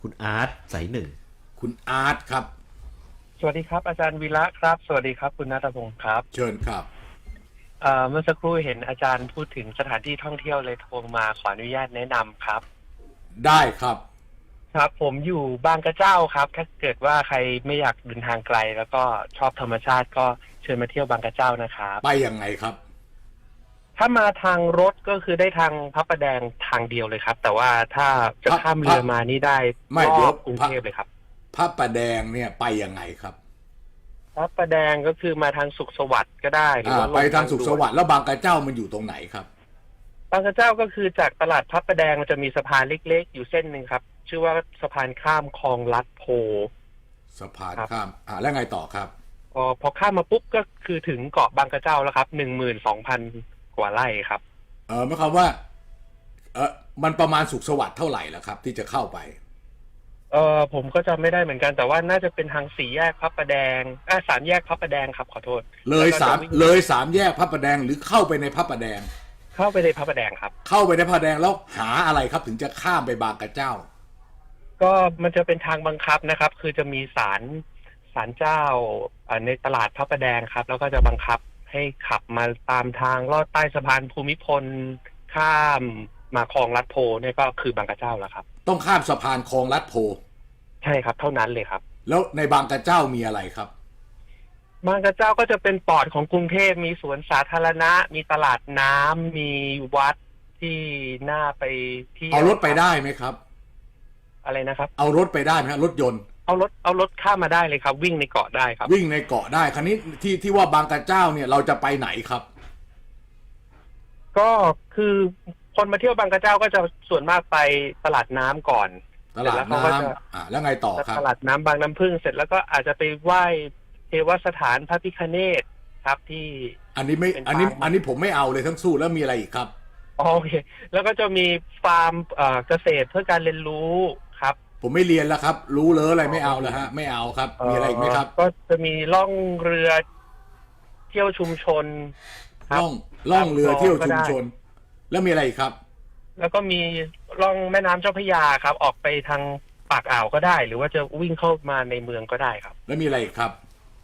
คุณอาร์ตสายหนึ่งคุณอาร์ตครับสวัสดีครับอาจารย์วีระครับสวัสดีครับคุณณัฐพงศ์ครับเชิญครับเมื่อสักครู่เห็นอาจารย์พูดถึงสถานที่ท่องเที่ยวเลยโทรมาขออนุญาตแนะนำครับได้ครับครับผมอยู่บางกระเจ้าครับถ้าเกิดว่าใครไม่อยากเดินทางไกลแล้วก็ชอบธรรมชาติก็เชิญมาเที่ยวบางกระเจ้านะครับไปยังไงครับถ้ามาทางรถก็คือได้ทางพระประแดงทางเดียวเลยครับแต่ว่าถ้าจะข้ามเรือมานี่ได้ไม่รเดี๋ยวอบกรุงเทพเลยครับพระประแดงเนี่ยไปยังไงครับพระประแดงก็คือมาทางสุขสวัสดิ์ก็ได้หรือว่าไปทางสุขสวัสดิ์แล้วบางกระเจ้ามันอยู่ตรงไหนครับบางกระเจ้าก็คือจากตลาดพระประแดงมันจะมีสะพานเล็กๆอยู่เส้นหนึ่งครับชื่อว่าสะพานข้ามคลองลัดโพสะพานข้ามแล้วไงต่อครับพอข้ามมาปุ๊บก็คือถึงเกาะบางกระเจ้าแล้วครับ12,000กว่าไร่ครับหมายความว่ามันประมาณสุขสวัสดิ์เท่าไหร่แล้วครับที่จะเข้าไปผมก็จำไม่ได้เหมือนกันแต่ว่าน่าจะเป็นทางสี่แยกพระประแดงสามแยกพระประแดงครับขอโทษเลยสามแยกพระประแดงหรือเข้าไปในพระประแดงเข้าไปในพระประแดงครับเข้าไปในพระประแดงแล้วหาอะไรครับถึงจะข้ามไปบางกระเจ้าก็มันจะเป็นทางบังคับนะครับคือจะมีศาลเจ้าในตลาดพระประแดงครับแล้วก็จะบังคับให้ขับมาตามทางลอดใต้สะพานภูมิพลข้ามมาคลองลัดโพเนี่ยก็คือบางกระเจ้าแล้วครับต้องข้ามสะพานคลองลัดโพใช่ครับเท่านั้นเลยครับแล้วในบางกระเจ้ามีอะไรครับบางกระเจ้าก็จะเป็นปอดของกรุงเทพมีสวนสาธารณะมีตลาดน้ำมีวัดที่น่าไปที่เอารถไปได้ไหมครับอะไรนะครับเอารถไปได้ไหมครับรถยนต์เอารถข้ามมาได้เลยครับวิ่งในเกาะได้ครับวิ่งในเกาะได้คราวนี้ที่ว่าบางกระเจ้าเนี่ยเราจะไปไหนครับก็คือคนมาเที่ยวบางกระเจ้าก็จะส่วนมากไปตลาดน้ำก่อนตลาดน้ำแล้วไงต่อครับตลาดน้ำบางน้ำพึ่งเสร็จแล้วก็อาจจะไปไหว้เทวสถานพระพิฆเนศครับที่อันนี้ผมไม่เอาเลยทั้งสู้แล้วมีอะไรอีกครับโอเคแล้วก็จะมีฟาร์มเกษตรเพื่อการเรียนรู้ครับผมไม่เรียนแล้วครับรู้เลยอะไรไม่เอาแล้วฮะไม่เอาครับมีอะไรอีกไหมครับก็จะมีล่องเรือเที่ยวชุมชนล่องเรือเที่ยวชุมชนแล้วมีอะไรอีกครับแล้วก็มีล่องแม่น้ำเจ้าพระยาครับออกไปทางปากอ่าวก็ได้หรือว่าจะวิ่งเข้ามาในเมืองก็ได้ครับแล้วมีอะไรอีกครับ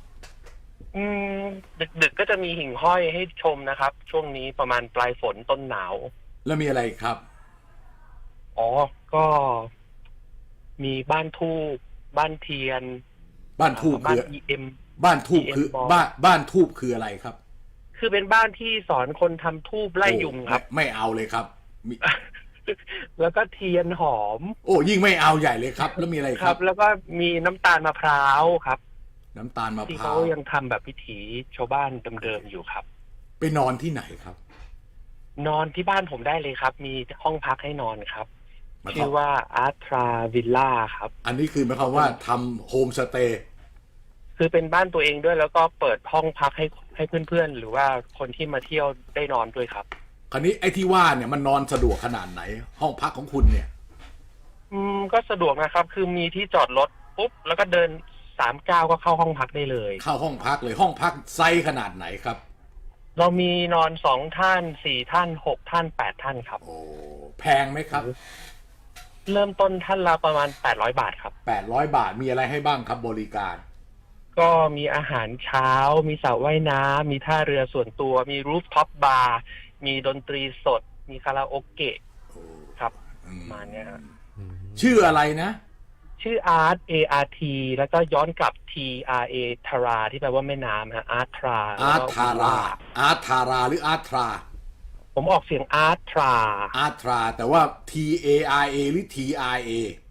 ดึกก็จะมีหิ่งห้อยให้ชมนะครับช่วงนี้ประมาณปลายฝนต้นหนาวแล้วมีอะไรครับก็มีบ้านทูบบ้านเทียนบ้านทูบคือบ้านทูบคือบ้านทูบคืออะไรครับคือเป็นบ้านที่สอนคนทำทูบไล่ยุงครับไม่เอาเลยครับแล้วก็เทียนหอมยิ่งไม่เอาใหญ่เลยครับแล้วมีอะไรครับแล้วก็มีน้ำตาลมะพร้าวครับน้ำตาลมะพร้าวที่เขายังทำแบบพิถีชาวบ้านเดิมๆอยู่ครับไปนอนที่ไหนครับนอนที่บ้านผมได้เลยครับมีห้องพักให้นอนครับชื่อว่าอาร์ทราวิลล่าครับอันนี้คือหมายความว่าทำโฮมสเตย์คือเป็นบ้านตัวเองด้วยแล้วก็เปิดห้องพักให้เพื่อนๆหรือว่าคนที่มาเที่ยวได้นอนด้วยครับคราวนี้ไอ้ที่ว่าเนี่ยมันนอนสะดวกขนาดไหนห้องพักของคุณเนี่ยก็สะดวกนะครับคือมีที่จอดรถปุ๊บแล้วก็เดิน3 ก้าวก็เข้าห้องพักได้เลยเข้าห้องพักเลยห้องพักไซส์ขนาดไหนครับเรามีนอน2 ท่าน4 ท่าน6 ท่าน8 ท่านครับแพงไหมครับเริ่มต้นท่านละประมาณ800 บาทครับ 800 บาทมีอะไรให้บ้างครับบริการก็มีอาหารเช้ามีสระว่ายน้ำมีท่าเรือส่วนตัวมีรูฟท็อปบาร์มีดนตรีสดมีคาราโอเกะครับมาเนี่ยชื่ออะไรนะชื่อ Art ART แล้วก็ย้อนกลับ TRA ทาราที่แปลว่าแม่น้ำฮะ Art ทราหรือ Art ทราผมออกเสียง Art ทราแต่ว่า TARA หรือ TRA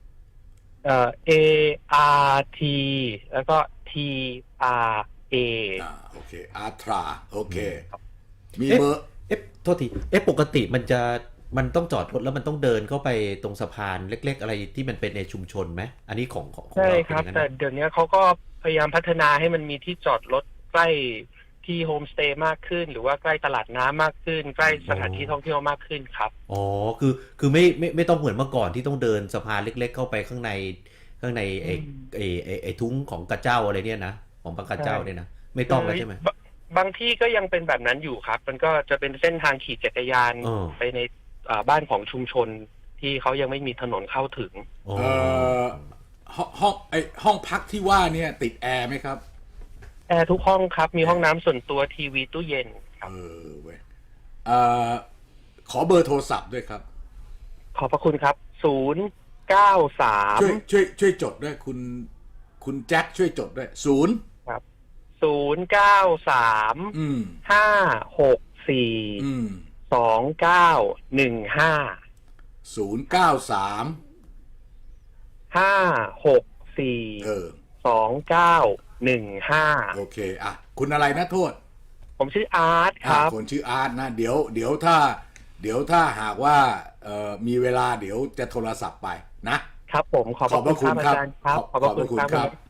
ART แล้วก็ TRA โอเค Art ทราโอเคมีเบอร์โทษทีปกติมันต้องจอดรถแล้วมันต้องเดินเข้าไปตรงสะพานเล็กๆอะไรที่มันเป็นในชุมชนไหมอันนี้ของใช่ครับแต่เดี๋ยวนี้เขาก็พยายามพัฒนาให้มันมีที่จอดรถใกล้ที่โฮมสเตย์มากขึ้นหรือว่าใกล้ตลาดน้ำมากขึ้นใกล้สถานที่ท่องเที่ยวมากขึ้นครับคือไม่ต้องเหมือนเมื่อก่อนที่ต้องเดินสะพานเล็กๆเข้าไปข้างในไอ้ทุ้งของกระเจ้าอะไรเนี่ยนะของบางกระเจ้าเนี่ยนะไม่ต้องแล้วใช่ไหมบางที่ก็ยังเป็นแบบนั้นอยู่ครับมันก็จะเป็นเส้นทางขี่จักรยานไปในบ้านของชุมชนที่ที่เขายังไม่มีถนนเข้าถึงอ๋อห้องพักที่ว่าเนี่ยติดแอร์ไหมครับแอร์ทุกห้องครับ มีห้องน้ำส่วนตัวทีวีตู้เย็นครับเว้ยขอเบอร์โทรศัพท์ด้วยครับขอบพระคุณครับ 093 ช่วยจดด้วยคุณแจ็คช่วยจดด้วย0 ครับ093 564 2915 093 564 โอเคอ่ะคุณอะไรนะโทษผมชื่ออาร์ตครับคนชื่ออาร์ตนะเดี๋ยวถ้าหากว่ามีเวลาเดี๋ยวจะโทรศัพท์ไปนะครับผมขอบพระคุณครับอาจารย์ครับขอบพระคุณครับ